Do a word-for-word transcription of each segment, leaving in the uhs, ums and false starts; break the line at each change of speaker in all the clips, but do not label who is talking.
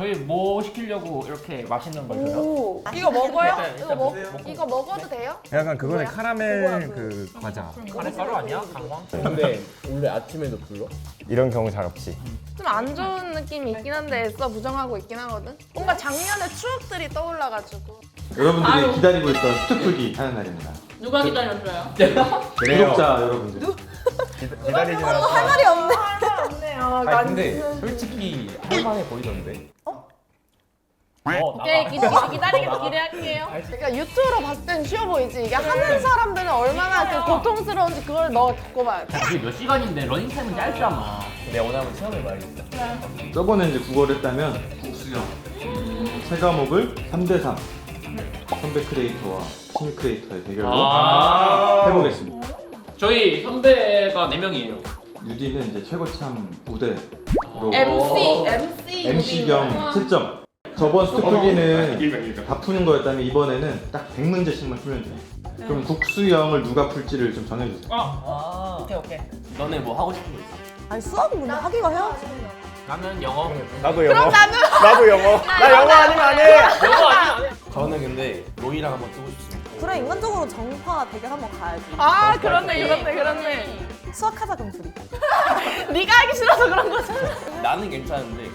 저희 뭐 시키려고 이렇게 맛있는 걸 줘요?
이거 먹어요?
네,
이거
일단
먹
먹- 먹고.
이거 먹어도 돼요?
약간 그거는
뭐야?
카라멜 그 과자.
카레가루 아니야? 강황?
근데 원래 아침에도 불러?
이런 경우 잘 없지.
좀 안 좋은 느낌이 있긴 한데 애써 부정하고 있긴 하거든. 뭔가 작년의 추억들이 떠올라가지고.
여러분들이 기다리고 있던 스투풀기 하는 날입니다.
누가 기다렸어요?
구독자 여러분들.
기다리지 않았어.
할 말이 없네. 할 말이 없네요.
아니 근데 솔직히 할만해 보이던데?
어,
오케이
나가.
기, 기다리겠 기대할게요.
그러니까 유튜브로 봤을 땐 쉬워 보이지. 이게 하는 사람들은 얼마나 그 고통스러운지 그걸 너 겪어봐야 돼.
그게 몇 시간인데 러닝타임은 짧잖아.
내가 오늘 한번 체험해봐야겠다.
저번에 이제 국어를 했다면 국수형 세 과목을 삼 대 삼 선배 크리에이터와 신입 크리에이터의 대결로
아
해보겠습니다.
저희 선배가 네 명이에요.
유디는 이제 최고참 무대로
엠씨 엠씨
엠씨 겸 채점. 저번 스투풀기는 다 푸는 거였다면 이번에는 딱 백 문제씩만 풀면 돼요. 그럼 국수형을 누가 풀지를 좀 정해주세요.
아 오케이 오케이.
너네 뭐 하고 싶은 거 있어?
아니 수학은 근데 하기가 해야지.
나는 영어.
나도 영어. 나도 영어. 나 영어 아니면 안 해.
영어 아니야?
저는 근데 로이랑 한번 뜨고 싶습니다.
그래 인간적으로 정파 대결 한번 가야지.
아 그렇네 그렇네 그렇네.
수학하자 그럼 둘이.
네가 하기 싫어서 그런 거잖아.
나는 괜찮은데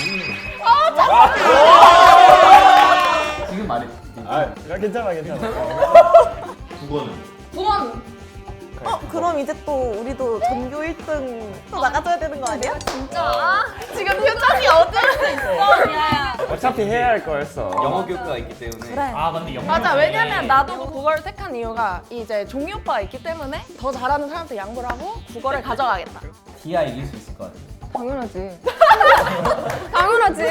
지금 말해.
아, 나 괜찮아, 괜찮아.
국어는
구원
어 그럼 이제 또 우리도 전교 일 등 또 나가줘야 되는 거 아니야?
진짜 지금 표정이 어두워.
야
어차피 해야 할 거였어.
영어 교과가 있기 때문에
그래.
아 근데 영어.
맞아 왜냐면 나도 국어를 택한 이유가 이제 종이 오빠가 있기 때문에 더 잘하는 사람한테 양보를 하고 국어를 가져가겠다.
디아 이길 수 있을 것 같아.
당연하지. 당연하지.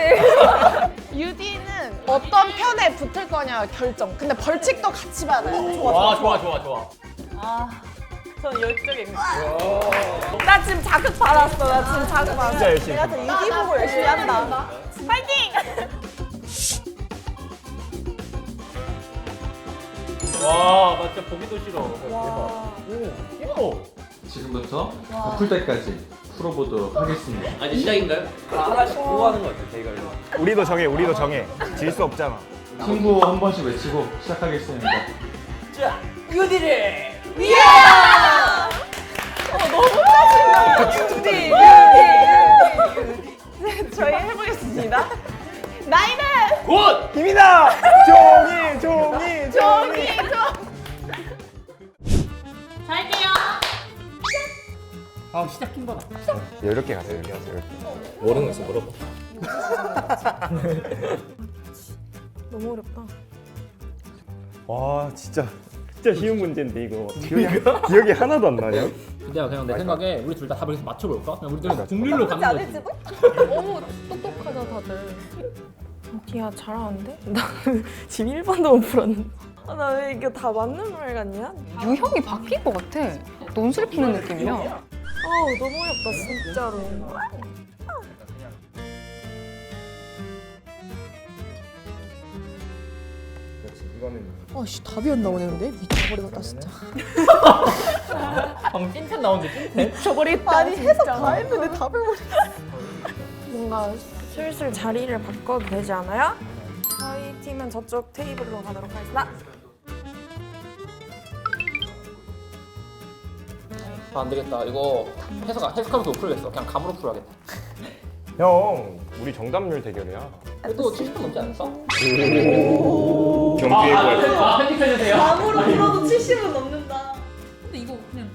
유디는 어떤 편에 붙을 거냐 결정. 근데 벌칙도 같이 받아야 돼.
와 좋아 좋아 좋아.
저는 열정이.
나 지금 자극 받았어. 나 지금 자극 받았어.
진짜 열심히.
내가 진짜 유기 보고 열심히 한다.
파이팅!
와, 나 진짜 보기도 싫어.
와.
대박. 오.
지금부터 다 풀 때까지 풀어보도록 하겠습니다.
아, 이제 시작인가요?
하나씩 보고 하는 거 같아 대결로.
우리도 정해, 우리도 정해. 질 수 없잖아.
친구 한 번씩 외치고 시작하겠습니다.
유디를
유디, 유디. 저희 해보겠습니다. 나이는
굿!
힘이다! 종이, 종이,
종이 종.
잘게요.
아, 시작 킹받아.
이렇게 가세요, 이렇게 가세요. 이렇게.
모르는 거 있어 물어봐.
너무 어렵다.
와, 진짜. 진짜 쉬운 문제인데, 이거. 기억이, 기억이 하나도 안 나냐?
근데 그냥 내 생각에 우리 둘 다 답을 계속 맞춰볼까? 그냥 우리 둘 국룰로
그렇지
가는 거지.
않을지도?
너무 똑똑하다 다들. 디야 잘하는데? 나 지금 일 번도 못 풀었는데.
아, 나 왜 이게 다 맞는 말 같냐?
유형이 바뀔 것 같아. 논술 푸는 느낌이야.
아우 너무 어렵다 진짜로.
아씨 답이 안 나오네 근데 미쳐버리겠다 진짜.
방금 찐텐 나오는데 찐텐?
미쳐버리겠다.
아니 해석 다 했는데 답을 모르.
뭔가 슬슬 자리를 바꿔도 되지 않아요? 저희 팀은 저쪽 테이블로 가도록 하겠습니다.
아, 안 되겠다. 이거 해석, 해석하면서 못 풀겠어. 그냥 감으로 풀어야겠다.
형, 우리 정답률 대결이야.
그래도 칠십 분 넘지 않았어?
경기에 뭐
아, 편집해주세요.
감으로 풀어도 칠십은 넘는다.
근데 이거 그냥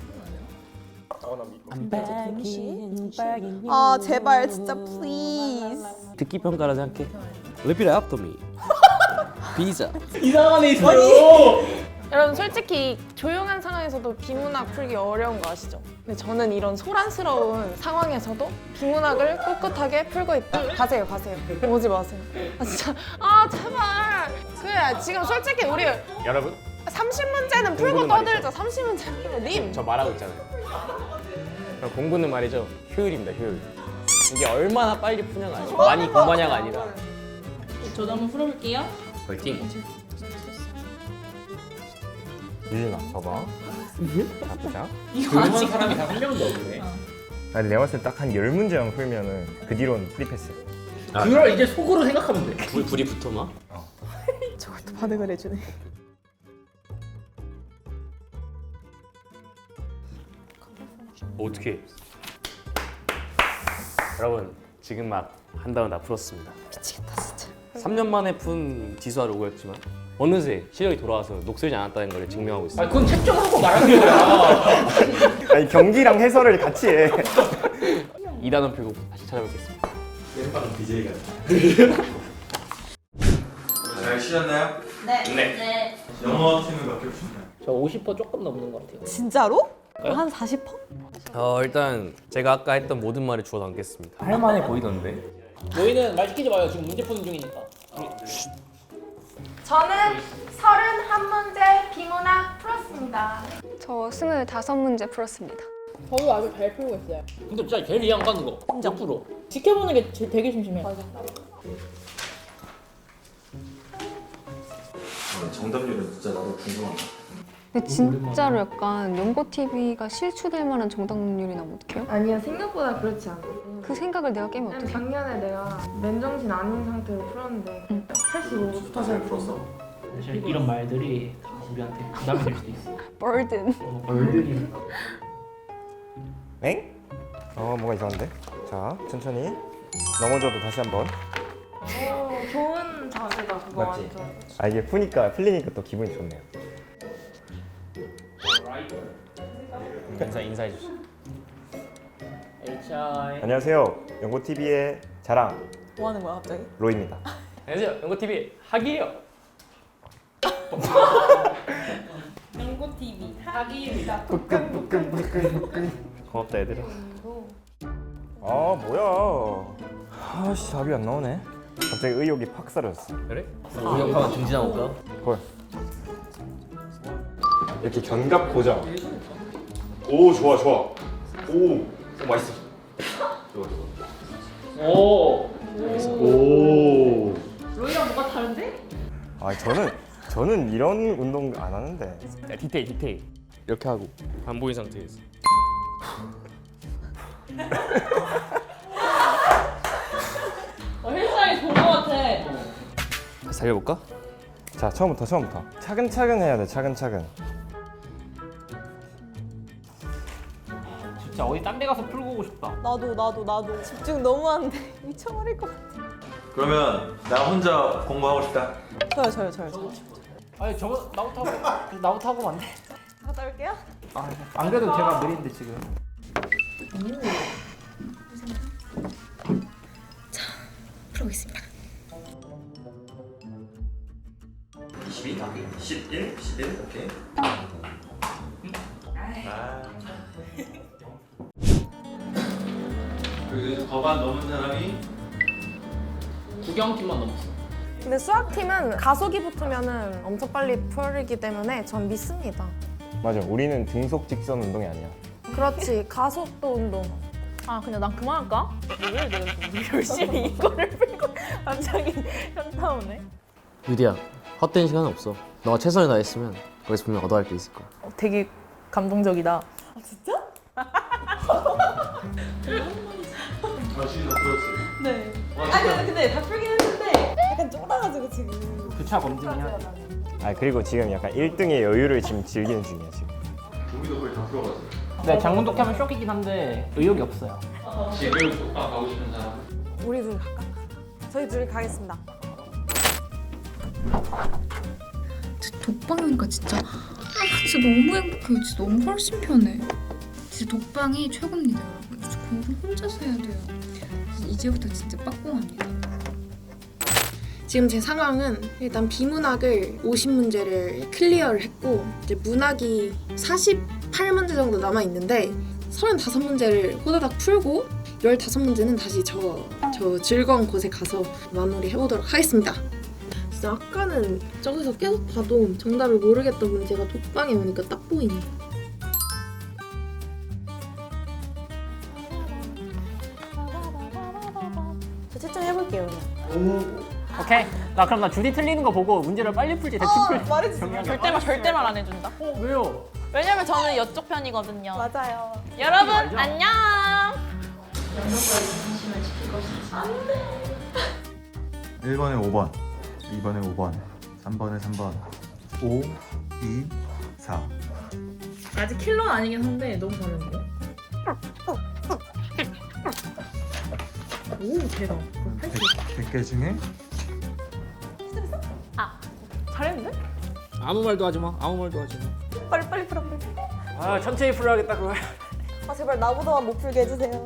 아 제발 진짜 please.
듣기 평가라 생각해. Repeat after me. 비자.
이상한 애 있어요.
여러분 솔직히 조용한 상황에서도 비문학 풀기 어려운 거 아시죠? 근데 저는 이런 소란스러운 상황에서도 비문학을 꿋꿋하게 풀고 있다. 가세요 가세요. 오지 마세요. 아 진짜 아 제발. 그래 지금 솔직히 우리
여러분,
삼십 문제는 풀고
공부는 많이
떠들자. 삼십 문제 풀고 님.
저 말하고 있잖아요. 그럼 공부는 말이죠. 효율입니다, 효율.
이게 얼마나 빨리 푸냐가 아니라 많이 공부하냐가 아니라.
저도 한번 풀어볼게요.
화이팅.
유진아, 봐봐. 자, 보자.
이거 아직
사람이 다 한 명도 없네.
아니, 내가 봤을 때 딱 한 열 문제만 풀면은 그 뒤로는 프리패스.
그걸 이제 속으로 생각하면 돼.
불, 불이 붙어 막?
저걸 또 반응을 해주네.
어떻게? 여러분 지금 막 한다운 다 풀었습니다.
미치겠다 진짜.
삼 년 만에 푼 지수와 로고였지만 어느새 실력이 돌아와서 녹슬지 않았다는 걸 증명하고
아
있습니다.
그건 책정하고 말하는 거야.
아니 경기랑 해설을 같이 해.
이 단원 풀고 다시 찾아뵙겠습니다.
땜빵 비제이가. 잘 쉬셨나요?
네. 네.
영어 팀은 몇 개 푸셨나요?
저 오십 퍼센트 조금 넘는 것 같아요.
진짜로? 한 사십 퍼센트?
어 일단 제가 아까 했던 모든 말을 주워 담겠습니다.
할만해 보이던데. 너희는 말 시키지 마요. 지금 문제 푸는 중이니까.
저는 서른한 문제 비문학 풀었습니다.
저 스물다섯 문제 풀었습니다.
저도 아주 잘 풀고 있어요.
근데 진짜 제일 이해 안 가는 거. 몇 프로?
지켜보는 게 제- 되게 심심해요.
정답률은 진짜 나도 궁금하다.
근데 진짜로 약간 연고티비가 실추될 만한 정답률이 나면 어떡해요?
아니야, 생각보다 그렇지 않아.
그 생각을 내가 깨면 어떡해?
작년에 내가 맨정신 아닌 상태로 풀었는데 팔십오 퍼센트
풀었어?
사실 이런 말들이 다 우리한테 부담이 될 수도 있어.
버든.
얼들이.
엥? 어 뭐가 이상한데? 자 천천히 넘어져도 다시 한번.
오, 좋은 자세다 그거
맞지?
완전.
아 이게 푸니까 풀리니까 또 기분이 좋네요.
인사 인사해 주시죠.
에이치아이.
안녕하세요. 연고티비의 자랑
뭐 하는 거야 갑자기?
로입니다.
안녕하세요. 연고티비 하기예요.
연고티비 하기입니다.
고맙다 얘들아.
아 뭐야? 아씨 답이 안 나오네. 갑자기 의욕이 팍 사라졌어.
그래?
우영파만 중지나 볼까?
헐. 이렇게 견갑 고정. 오 좋아 좋아. 오, 오 맛있어. 좋아 좋아.
오.
오.
로이랑 뭐가 다른데?
아 저는 저는 이런 운동 안 하는데.
야, 디테일 디테일.
이렇게 하고
안 보인 상태에서.
어, 헬스장이 좋은 것 같아.
다시 달려볼까?
자 처음부터 처음부터 차근차근 해야 돼 차근차근.
진짜 어디 딴 데 가서 풀고 오고 싶다.
나도 나도 나도 집중 너무 하는데 미쳐버릴 것 같아.
그러면 나 혼자 공부하고 싶다.
저요 저요 저요 저요.
아니 저거 나부터 하고 나부터 하고 안 돼?
갔다 올게요.
아, 안 그래도 제가 느린데 지금.
풀어보겠습니다.
이십이, 십일, 십일, 오케이. 아. 그리고 거반 넘은 사람이
구경팀만 넘었어.
근데 수학팀은 가속이 붙으면 엄청 빨리 풀리기 때문에 전 믿습니다.
맞아 우리는 등속 직선 운동이 아니야.
그렇지, 가속도 운동.
아 근데 난 그만할까? 왜 내가 열심히 이거를 풀고 갑자기 현타 오네.
유디야 헛된 시간은 없어. 너가 최선을 다했으면 거기서 분명 얻어갈 게 있을 거야.
어, 되게 감동적이다.
아 진짜 그렇지.
네. 아 근데, 근데 다 풀긴 했는데 약간 쫄아가지고 지금.
교차 검증이야.
아 그리고 지금 약간 일 등의 여유를 지금 즐기는 중이야 지금.
우리도 거의 다 풀어가지고.
네, 장문독해 하면 쇼키긴 한데 의욕이 없어요.
지금 독방 가고 싶은 사람.
우리 둘 갈까? 저희 둘이 가겠습니다.
독방이 오니까 진짜 아 진짜 너무 행복해요. 진짜 너무 훨씬 편해. 진짜 독방이 최고입니다, 여러분. 진짜 공부 혼자서 해야 돼요. 이제부터 진짜 빡공합니다.
지금 제 상황은 일단 비문학을 오십 문제를 클리어를 했고 이제 문학이 사십팔 문제 정도 남아 있는데 서른다섯 문제를 호다닥 풀고 열다섯 문제는 다시 저, 저 즐거운 곳에 가서 마무리 해보도록 하겠습니다. 진짜 아까는 저기서 계속 봐도 정답을 모르겠던 문제가 독방에 오니까 딱 보이네.
저 채점해볼게요 그냥.
오케이. 나 그럼 나 줄이 틀리는 거 보고 문제를 빨리 풀지 대충 풀.
말해주세요.
절대 말 절대 말 안 해준다.
어 왜요?
왜냐면 저는 이쪽 편이거든요.
맞아요.
여러분 안녕.
일 번에 오 번, 이 번에 오 번, 삼 번에 삼 번, 오, 이, 사.
아직 킬러는 아니긴 한데 너무 잘했는데? 오 대박.
백 개 중에
잘했는데?
아무 말도 하지 마. 아무 말도 하지 마.
빨리 빨리 풀어 빨리.
아 천천히 풀어야겠다 그걸.
아 제발 나보다만 못 풀게 해주세요.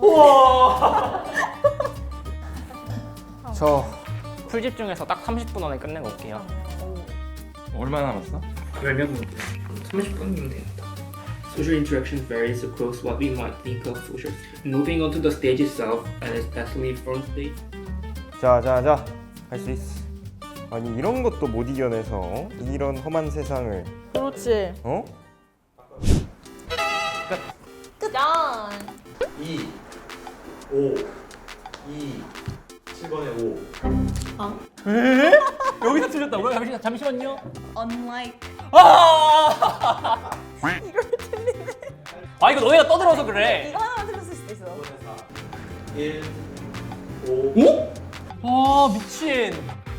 저 풀집 중에서 딱 삼십 분 안에 끝내고 올게요.
얼마나 남았어?
그러면 삼십 분이면 됩니다. Social interaction varies across what we might think of social. Moving on to the stage itself, and especially front stage.
자자자 할 수 있어. 아니 이런 것도 못 이겨내서 이런 험한 세상을
그렇지.
어?
짠.
이, 오, 이, 칠 번에 오.
여기서 틀렸다고요? 잠시, 잠시만요.
Unlike.
아! 아 이거 너희가 떠들어서 그래.
이거 하나만 틀렸을 수도 있어.
일, 오.
아 미친.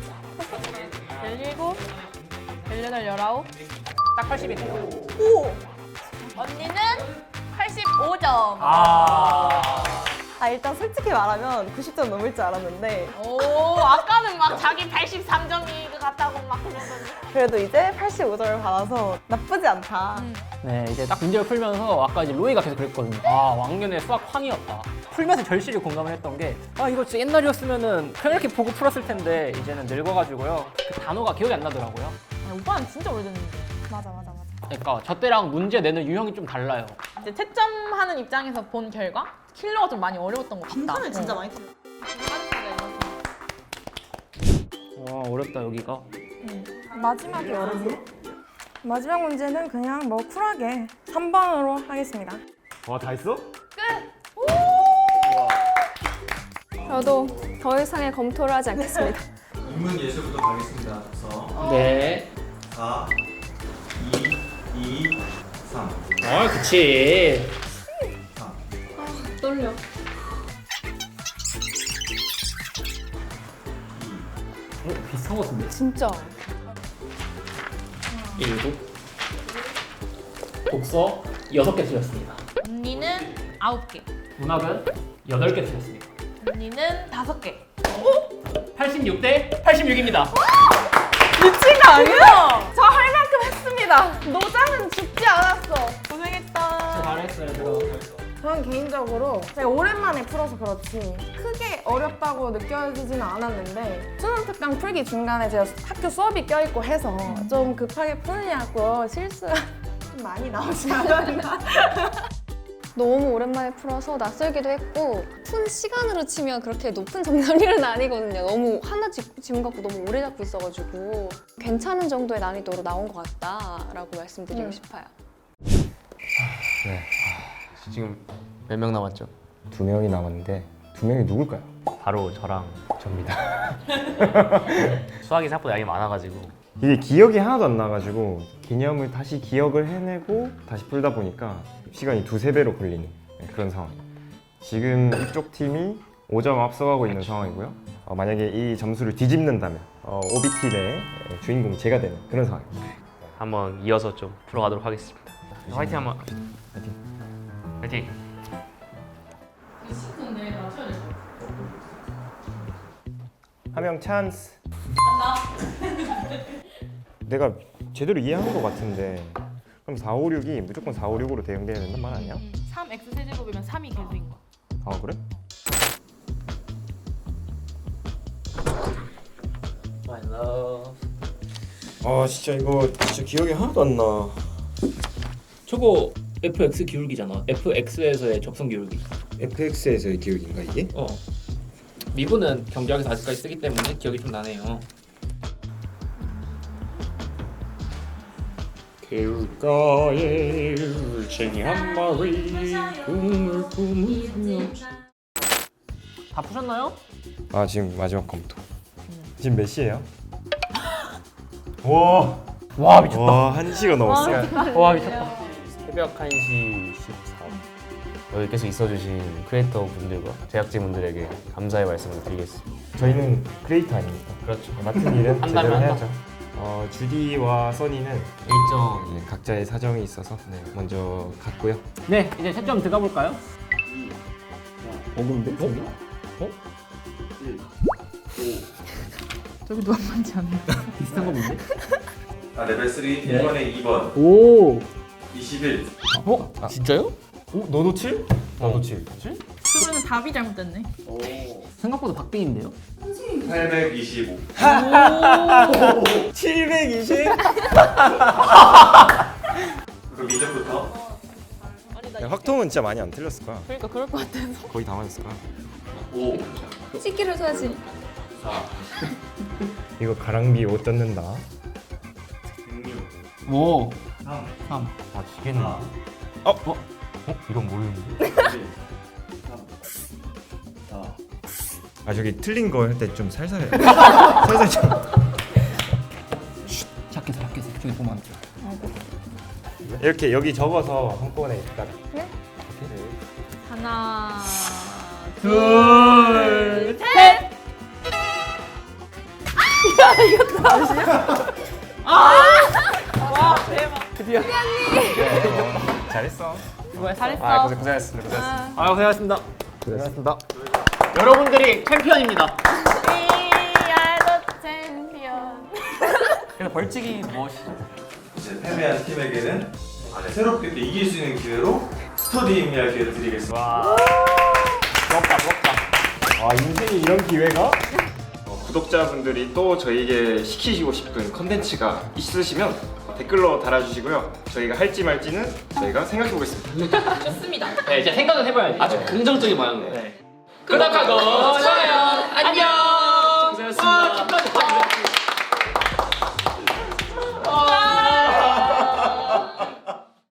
열일곱, 열여덟, 열아홉.
딱 팔십이네요.
오.
언니는 팔십오 점.
아.
아 일단 솔직히 말하면 구십 점 넘을 줄 알았는데
오 아까는 막 자기 팔십삼 점이 같다고 막 그러더니.
그래도 이제 팔십오 점을 받아서 나쁘지 않다.
네, 이제 딱 문제를 풀면서 아까 이제 로이가 계속 그랬거든요. 아, 왕년의 수학 황이었다. 풀면서 절실히 공감을 했던 게 아, 이거 진짜 옛날이었으면은 그냥 이렇게 보고 풀었을 텐데 이제는 늙어가지고요. 그 단어가 기억이 안 나더라고요.
아, 오빠는 진짜 오래됐는데.
맞아 맞아 맞아.
그러니까 저 때랑 문제 내는 유형이 좀 달라요.
이제 채점하는 입장에서 본 결과 킬러가 좀 많이 어려웠던 것 같다.
빈칸을 진짜 많이 틀려.
와, 어렵다 여기가.
마지막이 어렵네. 마지막 문제는 그냥 뭐 쿨하게 삼 번으로 하겠습니다.
와 다 했어?
저도 더 이상의 검토를 하지 않겠습니다.
인문 예술부터 가겠습니다. 그래서
네.
사, 이, 이, 삼.
아, 그치.
떨려.
어, 비슷한 것 같은데.
진짜.
일곱. 독서 여섯 개 틀렸습니다.
언니는 아홉 개.
문학은 여덟 개 틀렸습니다.
언니는 다섯 개.
팔십육 대 팔십육입니다.
미친 거 아니야? 저 할 만큼 했습니다. 노장은 죽지 않았어. 고생했다.
잘했어요, 얘들아.
저는 개인적으로 제가 오랜만에 풀어서 그렇지 크게 어렵다고 느껴지지는 않았는데 수능 특강 풀기 중간에 제가 학교 수업이 껴있고 해서 좀 급하게 풀냐고 실수가 좀 많이 나오지 않았나.
너무 오랜만에 풀어서 낯설기도 했고 푼 시간으로 치면 그렇게 높은 정답률은 아니거든요. 너무 하나 지- 지문 갖고 너무 오래 잡고 있어가지고 괜찮은 정도의 난이도로 나온 것 같다라고 말씀드리고
음.
싶어요.
네. 지금 몇 명 남았죠?
두 명이 남았는데 두 명이 누굴까요?
바로 저랑 접니다. 수학이 생각보다 양이 많아가지고
이게 기억이 하나도 안 나가지고 개념을 다시 기억을 해내고 다시 풀다 보니까 시간이 두세 배로 걸리는 그런 상황. 지금 이쪽 팀이 오 점 앞서가고 있는 상황이고요. 어, 만약에 이 점수를 뒤집는다면 어, 오비팀의 주인공이 제가 되는 그런 상황입니다.
한번 이어서 좀 풀어가도록 하겠습니다. 화이팅 한번. 화이팅. 화이팅.
한 명 찬스. 내가 제대로 이해한 것 같은데 그럼 사, 오, 육이 무조건 사, 오, 육으로 대응돼야 된단 말 아니야?
삼 엑스 세제곱이면 삼이 계수인 거야.
아 그래?
My love.
아 진짜 이거 진짜 기억이 하나도 안 나.
저거 에프엑스 기울기잖아. 에프엑스에서의 접선 기울기.
에프엑스에서의 기억인가 이게?
어. 미분은 경제학에서 아직까지 쓰기 때문에 기억이 좀 나네요.
개울가에 울챙이 한 마리 꿈을 꾸며.
다 푸셨나요?
아 지금 마지막 검토. 지금 몇 시예요? 와,
와 미쳤다.
와 한 시가 넘었어.
와 미쳤다.
새벽 한 시 십사 분. 여기 계속 있어주신 크리에이터 분들과 제작진 분들에게 감사의 말씀을 드리겠습니다.
저희는 크리에이터 아닙니까?
그렇죠.
맡은 일은
한
제대로
달만
해야죠. 어, 주디와 써니는
일정
네, 각자의 사정이 있어서 네, 먼저 갔고요.
네, 이제 채점 들어가 볼까요?
어근데? 어?
저기도 한 번지 않나요?
비슷한 거 뭔데?
아 레벨 삼 이번에 이 번
오.
이십일.
어?
진짜요?
어? 너도 칠? 나도 칠.
그러면 답이 잘못됐네.
생각보다 박빙인데요?
팔백이십오.
칠백이십?
그럼 이제부터
야, 확통은 진짜 많이 안 틀렸을 거야.
그러니까 그럴 것 같아서.
거의 다 맞았을 거야.
오,
찍기를 줘야지.
사,
이거 가랑비 옷 뜯는다.
백육,
오.
삼,
삼.
아 지겠네.
사,
어? 어? 어? 이건 모르는데.
일, 삼, 사.
아 저기 틀린 거 할 때 좀 살살 해. 살살 좀.
작게서 작게서 저기 보면 안 돼.
이렇게 여기 적어서 한꺼번에 딱.
하나,
둘,
셋.
잘했어.
잘했어.
아 고생 고생했어. 고생했어.
아, 고생하셨습니다. 고생하셨습니다. 여러분들이 챔피언입니다.
위아더 챔피언.
그래서 벌칙이 무엇이죠?
이제 패배한 팀에게는 새롭게 또 이길 수 있는 기회로 스터디 임리할 기회를 드리겠습니다.
부럽다, 부럽다.
아 인생에 이런 기회가? 어, 구독자분들이 또 저희에게 시키시고 싶은 컨텐츠가 있으시면 댓글로 달아주시고요. 저희가 할지 말지는 저희가 생각해 보겠습니다.
좋습니다.
네, 이제 생각은 해봐야지.
아주 긍정적인 방향.
네. 끄덕하고